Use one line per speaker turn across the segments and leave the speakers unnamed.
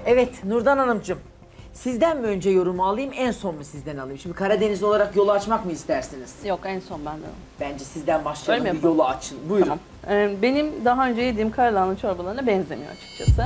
Evet Nurdan Hanımcığım. Sizden mi önce yorumu alayım, en son mu sizden alayım? Şimdi Karadeniz olarak yolu açmak mı istersiniz?
Yok, en son benden.
Bence sizden başlayalım,
Öyle mi
bir yolu açın. Buyurun.
Tamam. Benim daha önce yediğim karalahana çorbalarına benzemiyor açıkçası.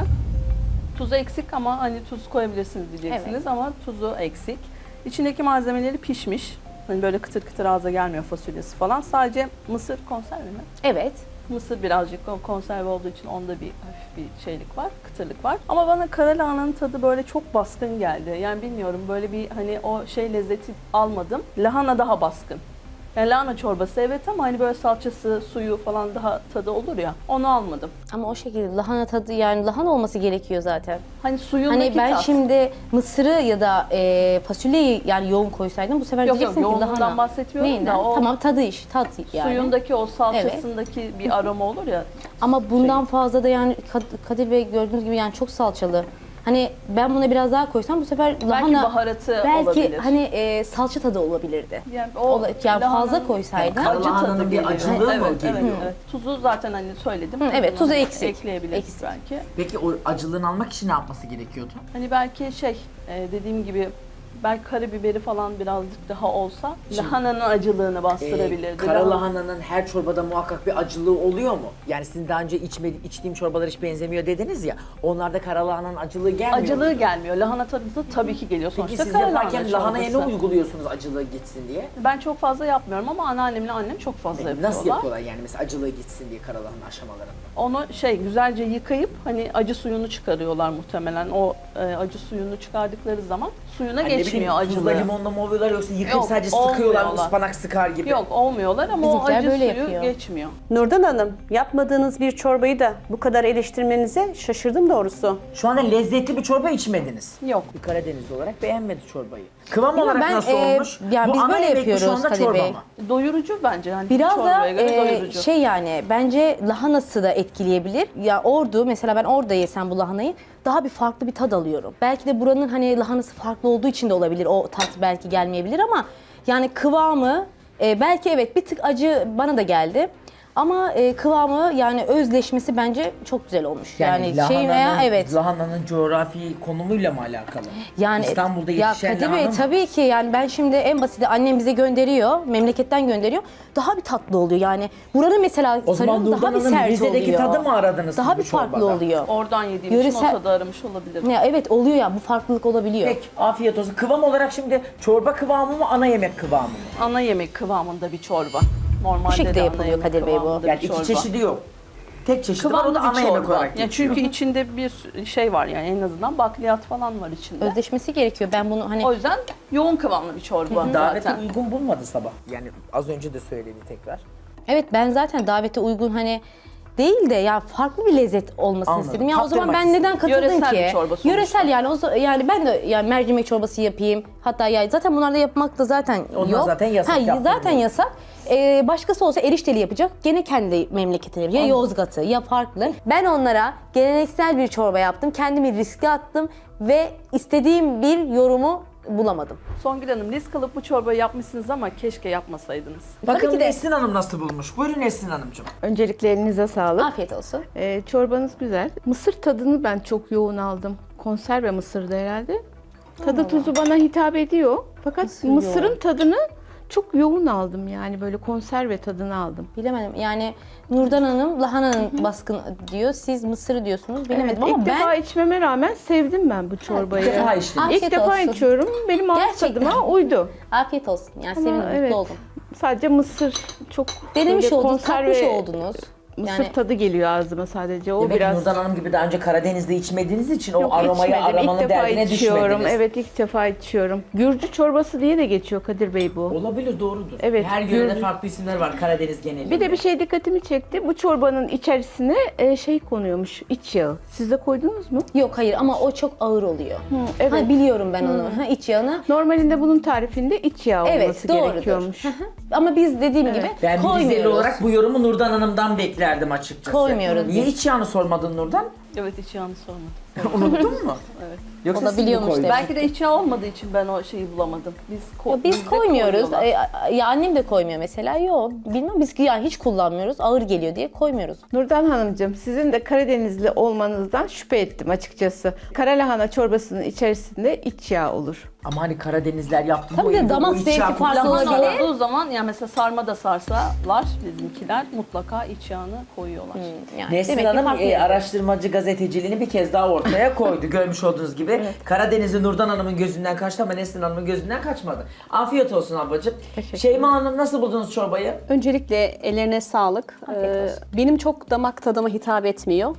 Tuzu eksik ama hani tuz koyabilirsiniz diyeceksiniz
Evet.
ama tuzu eksik. İçindeki malzemeleri pişmiş. Hani böyle kıtır kıtır ağza gelmiyor fasulyesi falan. Sadece mısır konserve mi?
Evet.
Mısır birazcık konserve olduğu için onda bir hafif bir şeylik var, kıtırlık var. Ama bana karalahananın tadı böyle çok baskın geldi. Yani bilmiyorum, böyle bir hani o şey lezzeti almadım. Lahana daha baskın. Yani lahana çorbası evet ama hani böyle salçası, suyu falan daha tadı olur ya, onu almadım.
Ama o şekilde lahana tadı, yani lahana olması gerekiyor zaten.
Hani suyundaki
Hani ben
tat.
şimdi mısırı ya da fasulyeyi yani yoğun koysaydım bu sefer
Yok,
diyeceksin ki
yoğunluğundan
lahana.
bahsetmiyorum
Neyinden?
da o
Tamam, tadı tat yani.
suyundaki o salçasındaki bir aroma olur ya.
Ama bundan fazla da yani Kadir Bey gördüğünüz gibi yani çok salçalı. Hani ben buna biraz daha koysam bu sefer lahana
baharatı
belki
olabilir.
hani salça tadı olabilirdi.
Yani o
Yani
lahananın
fazla koysaydım.
Yani
acı
Lahananın
tadı
bir
geliyor.
acılığı mı
Evet,
geliyor?
evet, evet. Tuzu zaten hani söyledim.
evet,
Tuzunu
tuzu
hani
eksik.
ekleyebiliriz
Eksik.
belki.
Peki o acılığını almak için ne yapması gerekiyordu?
Hani belki dediğim gibi belki karabiberi falan birazcık daha olsa lahananın acılığını bastırabilirdi.
Kara lahananın her çorbada muhakkak bir acılığı oluyor mu? Yani sizin daha önce içtiğim çorbalar hiç benzemiyor dediniz ya. Onlarda kara lahananın acılığı gelmiyor
Acılığı
mu?
gelmiyor. Lahana tadı da tabii ki geliyor.
Peki
Sonuçta
siz
kara
yaparken
lahana
lahanaya ne
çorbası.
uyguluyorsunuz acılığı gitsin diye?
Ben çok fazla yapmıyorum ama anneannemle annem çok fazla yapıyorlar.
Nasıl yapıyorlar yani mesela acılığı gitsin diye kara lahana aşamalarında?
Onu güzelce yıkayıp hani acı suyunu çıkarıyorlar muhtemelen. O acı suyunu çıkardıkları zaman suyuna
Hani ne
geçmiyor
bileyim, tuzla
acılığı.
limonla mı oluyorlar yoksa yıkayıp
Yok,
sadece sıkıyorlar mı
olmuyorlar.
ıspanak sıkar gibi?
Yok, olmuyorlar ama o
Bizimkiler
acı
böyle
suyu
yapıyor.
geçmiyor.
Nurdan Hanım, yapmadığınız bir çorbayı da bu kadar eleştirmenize şaşırdım doğrusu.
Şu anda lezzetli bir çorba içmediniz.
Yok.
Bir Karadenizli olarak beğenmedi çorbayı. Kıvam
Bilmiyorum,
olarak
ben,
nasıl olmuş?
yani
Bu
biz
ana
böyle
yemek mi şu
yapıyoruz
anda
Kadir
çorba
Bey.
mı?
Doyurucu bence. Hani
Biraz da
çorbaya göre doyurucu.
yani bence lahanası da etkileyebilir. Ya mesela ben orada yesem bu lahanayı daha bir farklı bir tad alıyorum. Belki de buranın hani lahanası farklı olduğu için de olabilir. O tat belki gelmeyebilir ama yani kıvamı belki evet bir tık acı bana da geldi. Ama kıvamı yani özleşmesi bence çok güzel olmuş. Yani, evet.
Lahananın coğrafi konumuyla mı alakalı?
Yani
İstanbul'da
ya
yetişen
Kadir
lahana
Bey
mı?
tabii ki yani ben şimdi en basiti annem bize gönderiyor, memleketten gönderiyor. Daha bir tatlı oluyor yani. Buranın mesela
O zaman
sarıyorum, daha
Nurdan
bir
Hanım
sert
Rize'deki
oluyor.
tadı mı aradınız
Daha
siz
bir
bu
farklı
çorbada?
oluyor.
Oradan yediğim için o
Yöresel-
tadı aramış olabilir.
Ya evet oluyor ya, bu farklılık olabiliyor.
Peki afiyet olsun. Kıvam olarak şimdi çorba kıvamı mı ana yemek kıvamı mı?
Ana yemek kıvamında bir çorba. Normalde
Bu şekilde
de ana
yapılıyor
yemek
Kadir Bey bu.
kıvamında
Yani
bir
iki
çorba.
çeşidi yok. Tek çeşidi var o
Kıvamlı
da ana
bir
yemek
çorba.
olarak
Yani
geçiyor.
çünkü içinde bir şey var yani en azından bakliyat falan var içinde.
Özleşmesi gerekiyor. Ben bunu hani
O yüzden yoğun kıvamlı bir çorba
Davete
zaten.
uygun bulmadı sabah. Yani az önce de söyledi tekrar.
evet, ben zaten davete uygun hani değil de ya farklı bir lezzet olmasını
Anladım.
istedim. Ya o zaman
Tattırmak
ben neden katıldım
Yöresel
ki?
bir çorba sonuçta.
Yöresel yani yani ben de yani mercimek çorbası yapayım. Hatta ya zaten bunlarda yapmak da zaten
Onlar
yok.
zaten yasak, yaptırmıyor.
zaten yasak. Başkası olsa erişteli yapacak. Gene kendi memleketine yapacak. Ya Yozgat'ı ya farklı. Ben onlara geleneksel bir çorba yaptım. Kendimi riske attım ve istediğim bir yorumu bulamadım.
Songül Hanım, risk alıp bu çorbayı yapmışsınız ama keşke yapmasaydınız.
Bakalım
ki de.
Nesrin Hanım nasıl bulmuş? Buyurun Nesrin Hanımcığım.
Öncelikle elinize sağlık.
Afiyet olsun.
Çorbanız güzel. Mısır tadını ben çok yoğun aldım. Konserve mısırdı herhalde. Tadı tuzu bana hitap ediyor. Fakat
Mısır
mısırın
yoğun.
tadını çok yoğun aldım, yani böyle konserve tadını aldım.
Bilemedim. Yani Nurdan Hanım lahananın baskın diyor. Siz mısırı diyorsunuz. Bilemedim
Evet,
ama
ilk
ben
defa içmeme rağmen sevdim ben bu çorbayı.
İlk defa içtim.
Afiyet
İlk defa
olsun.
içiyorum. Benim ağız
Gerçekten.
tadıma uydu.
afiyet olsun. Yani
Ama
sevindim,
evet,
mutlu oldum.
sadece mısır çok
Denemiş
böyle
oldunuz, tatmış oldunuz.
Mısır
Yani
tadı geliyor ağzıma sadece. O
Demek ki
biraz
Nurdan Hanım gibi daha önce Karadeniz'de içmediğiniz için
Yok,
o aromayı
içmedim.
aramanın
İlk defa
derdine
içiyorum.
düşmediniz.
Evet, ilk defa içiyorum. Gürcü çorbası diye de geçiyor Kadir Bey bu.
Olabilir, doğrudur.
Evet,
Her yörede
Gürcü-
farklı isimler var Karadeniz genelinde.
Bir de bir şey dikkatimi çekti. Bu çorbanın içerisine şey konuyormuş, iç yağı. Siz de koydunuz mu?
yok hayır ama o çok ağır oluyor.
evet.
Ha, biliyorum ben onu. Ha, iç yağını.
Normalinde bunun tarifinde iç yağı
Evet,
olması
doğrudur.
gerekiyormuş.
Hı hı. Ama biz dediğim gibi
Ben bir Rizeli
koymuyoruz.
olarak bu yorumu Nurdan Hanım'dan beklerdim açıkçası.
Koymuyoruz
Niye
biz.
hiç yağını sormadın Nurdan?
Evet, hiç yanlış sormadım.
Unuttun mu?
Evet.
Yoksa siz mi
Olabiliyormuş
koydunuz?
demek.
Belki de içi olmadığı için ben o şeyi bulamadım.
Ya biz
bizde
koymuyoruz.
koyuyorlar.
Ya annem de koymuyor mesela. Yok bilmem biz yani hiç kullanmıyoruz. Ağır geliyor diye koymuyoruz.
Nurdan Hanımcığım, sizin de Karadenizli olmanızdan şüphe ettim açıkçası. Kara lahana çorbasının içerisinde iç yağ olur.
Ama hani Karadenizler yaptı
Tabii
bu
de
evde
damak
bu iç
zevki
yağ
farklı
kullanması
Lahana
olabilir.
olduğu zaman yani mesela sarma da sarsalar bizimkiler mutlaka iç yağını koyuyorlar.
Yani
Nesrin
demek ki
Hanım
farklı yani.
araştırmacı gazeteciliğini bir kez daha ortaya koydu. Görmüş olduğunuz gibi Karadeniz'i Nurdan Hanım'ın gözünden kaçtı ama Nesrin Hanım'ın gözünden kaçmadı. Afiyet olsun ablacığım. Şeyma Hanım nasıl buldunuz çorbayı?
Öncelikle ellerine sağlık. Benim çok damak tadıma hitap etmiyor.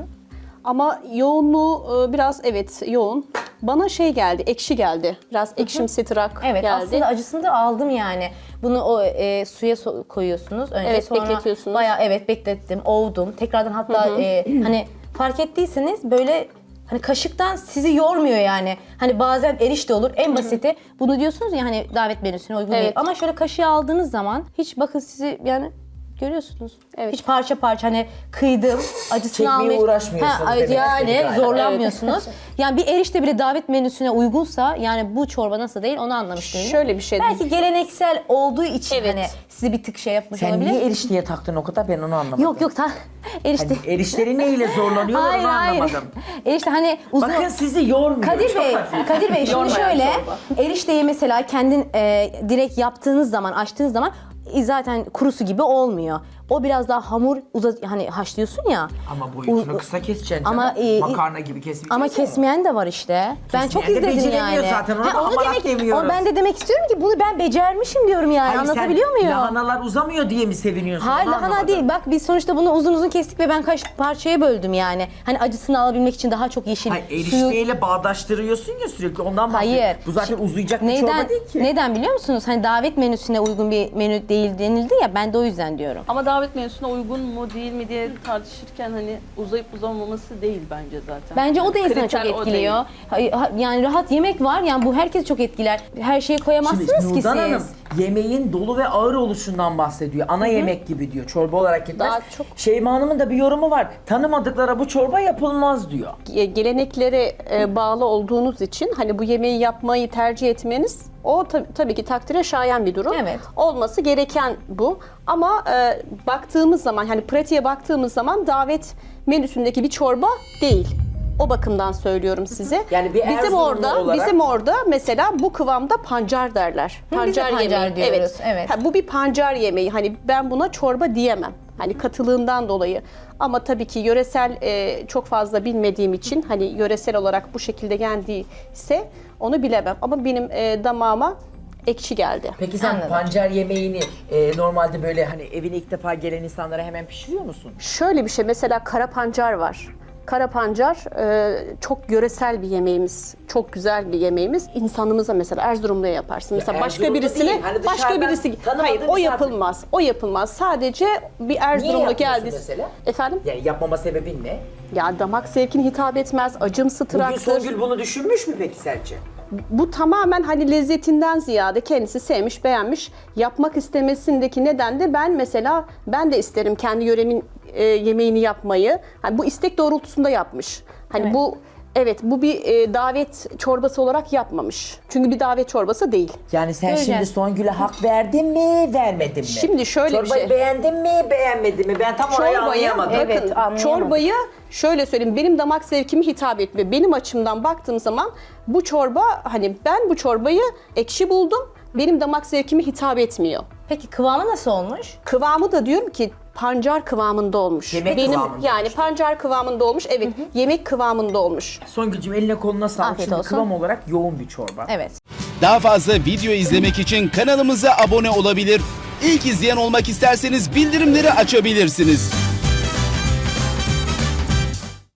Ama yoğunluğu biraz evet yoğun. Bana şey geldi, ekşi geldi. Biraz ekşimsi tırak
Evet
geldi.
aslında acısını da aldım yani. Bunu o suya koyuyorsunuz. Önce
Evet,
sonra
bekletiyorsunuz.
bayağı evet beklettim, ovdum. Tekrardan hatta hani fark ettiyseniz böyle hani kaşıktan sizi yormuyor yani. Hani bazen erişte olur en basiti. Bunu diyorsunuz ya hani davet menüsüne uygun değil.
Evet.
Ama şöyle kaşığı aldığınız zaman hiç bakın sizi yani görüyorsunuz.
Evet.
Hiç parça parça hani kıydım, acısını
Çekmeye
almış.
uğraşmıyorsunuz demek istedi
Yani
galiba.
zorlanmıyorsunuz. Yani bir erişte bile davet menüsüne uygunsa yani bu çorba nasıl değil onu anlamış değilim.
Şöyle bir şey.
Belki geleneksel olduğu için
Evet.
hani sizi bir tık şey yapmış
Sen
olabilir.
niye erişteye taktın o kadar ben onu anlamadım.
Yok yok erişte.
Hani erişleri neyle zorlanıyorlar
Hayır
onu
hayır.
anlamadım.
Erişte hani uzun.
Bakın sizi yormuyor.
Kadir
çok
Bey,
hafif.
Kadir Bey şimdi
Yormayan
şöyle
çorba.
erişteyi mesela kendin direkt yaptığınız zaman, açtığınız zaman zaten kurusu gibi olmuyor. O biraz daha hamur hani haşlıyorsun ya.
Ama boyutunu kısa keseceksin
Ama,
canım. Makarna gibi kesmeyeceksin.
Ama kesmeyen de var işte. Ben çok
Kesmeyen de
izledim
beceremiyor
yani.
zaten, ona da
onu
hamarat demiyoruz.
Ben de demek istiyorum ki bunu ben becermişim diyorum yani.
Hayır,
Anlatabiliyor
sen
muyum?
lahanalar uzamıyor diye mi seviniyorsun?
Hayır
Onu
lahana
anlamadım.
değil. Bak biz sonuçta bunu uzun uzun kestik ve ben kaç parçaya böldüm yani. Hani acısını alabilmek için daha çok yeşil
Hayır,
suyu.
erişteyle bağdaştırıyorsun ya sürekli ondan bahsediyorum.
Hayır.
Bu zaten uzayacak bir
Neden,
çorba değil ki.
neden biliyor musunuz? Hani davet menüsüne uygun bir menü değil denildi ya ben de o yüzden diyorum.
Ama davet menüsüne uygun mu değil mi diye tartışırken hani uzayıp uzamaması değil bence zaten.
Bence o da insanı çok
Kriter o
etkiliyor. Yani rahat yemek var yani bu herkes çok etkiler. Her şeyi koyamazsınız
Şimdi
ki
Nurdan
siz.
Hanım yemeğin dolu ve ağır oluşundan bahsediyor. Ana yemek gibi diyor. Çorba olarak gitmez.
Daha çok-
Şeyma Hanım'ın da bir yorumu var. Tanımadıklara bu çorba yapılmaz diyor.
Geleneklere bağlı olduğunuz için hani bu yemeği yapmayı tercih etmeniz o tabii ki takdire şayan bir durum.
Evet.
Olması gereken bu. Ama baktığımız zaman hani pratiğe baktığımız zaman davet menüsündeki bir çorba değil. O bakımdan söylüyorum size.
Yani bir Erzurumlu olarak-
bizim orada mesela bu kıvamda pancar derler.
biz de pancar diyoruz, evet.
Ha, bu bir pancar yemeği. Hani ben buna çorba diyemem. Hani katılığından dolayı. Ama tabii ki yöresel çok fazla bilmediğim için hani yöresel olarak bu şekilde geldiyse onu bilemem. Ama benim damağıma ekşi geldi.
Peki sen
Anladım.
pancar yemeğini normalde böyle hani evine ilk defa gelen insanlara hemen pişiriyor musun?
Şöyle bir şey mesela kara pancar var. Kara pancar çok yöresel bir yemeğimiz. Çok güzel bir yemeğimiz. İnsanımıza mesela Erzurumlu'ya yaparsın. Mesela başka
Erzurumlu
birisine
değil, hani
başka
dışarıdan
birisi
tanımadığın
hayır o
misafir.
yapılmaz. O yapılmaz. Sadece bir Erzurumlu
yapmıyorsun
geldi.
mesela?
Efendim?
Yani yapmama sebebin ne?
Ya damak zevkine hitap etmez. Acımsı
Bugün
tıraktır.
Songül bunu düşünmüş mü peki sence?
Bu tamamen hani lezzetinden ziyade kendisi sevmiş, beğenmiş. Yapmak istemesindeki neden de ben de isterim kendi yöremin yemeğini yapmayı. Hani bu istek doğrultusunda yapmış. Hani bu bir davet çorbası olarak yapmamış. Çünkü bir davet çorbası değil.
Yani sen
Göreceğiz.
şimdi Songül'e hak verdin mi, vermedin mi?
Şimdi şöyle bir
Çorbayı
şey.
beğendin mi, beğenmedin mi? Ben tam orayı anlayamadım.
Evet,
bakın
anlayamadım.
çorbayı şöyle söyleyeyim benim damak zevkime hitap etmiyor. Benim açımdan baktığım zaman bu çorba hani ben bu çorbayı ekşi buldum. Benim damak zevkime hitap etmiyor.
Peki kıvamı nasıl olmuş?
Kıvamı da diyorum ki pancar kıvamında olmuş.
Yemek kıvamında
yani
olmuş.
pancar kıvamında olmuş. Evet, yemek kıvamında olmuş.
Songül'cüm eline koluna sağlık.
Afiyet
Şimdi
olsun.
kıvam olarak yoğun bir çorba.
Evet.
Daha fazla video izlemek için kanalımıza abone olabilir. İlk izleyen olmak isterseniz bildirimleri açabilirsiniz.